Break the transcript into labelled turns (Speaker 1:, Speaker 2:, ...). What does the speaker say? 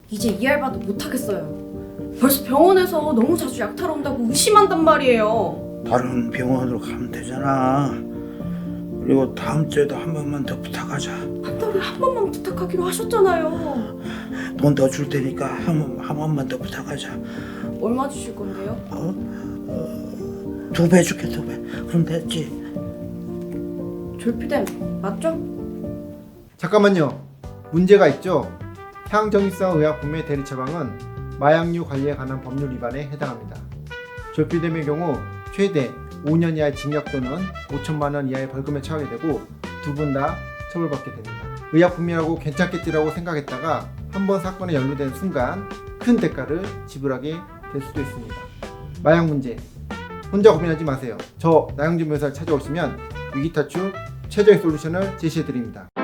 Speaker 1: 이제 이 알바도 못하겠어요. 벌써 병원에서 너무 자주 약 타러 온다고 의심한단 말이에요.
Speaker 2: 다른 병원으로 가면 되잖아. 그리고 다음 주에도 한 번만 더 부탁하자.
Speaker 1: 한 달에 한 번만 부탁하기로 하셨잖아요.
Speaker 2: 돈 더 줄 테니까 한 번만 더 부탁하자.
Speaker 1: 얼마 주실 건데요?
Speaker 2: 2배 줄게, 2배. 그럼 됐지.
Speaker 1: 졸피뎀 맞죠?
Speaker 3: 잠깐만요. 문제가 있죠. 향정신성 의약품의 대리 처방은 마약류 관리에 관한 법률 위반에 해당합니다. 졸피뎀의 경우 최대 5년 이하의 징역 또는 5천만 원 이하의 벌금에 처하게 되고 두 분 다 처벌받게 됩니다. 의약품이라고 괜찮겠지라고 생각했다가 한번 사건에 연루된 순간 큰 대가를 지불하게 될 수도 있습니다. 마약 문제 혼자 고민하지 마세요. 저 나영준 변호사를 찾아오시면 위기 탈출 최저의 솔루션을 제시해 드립니다.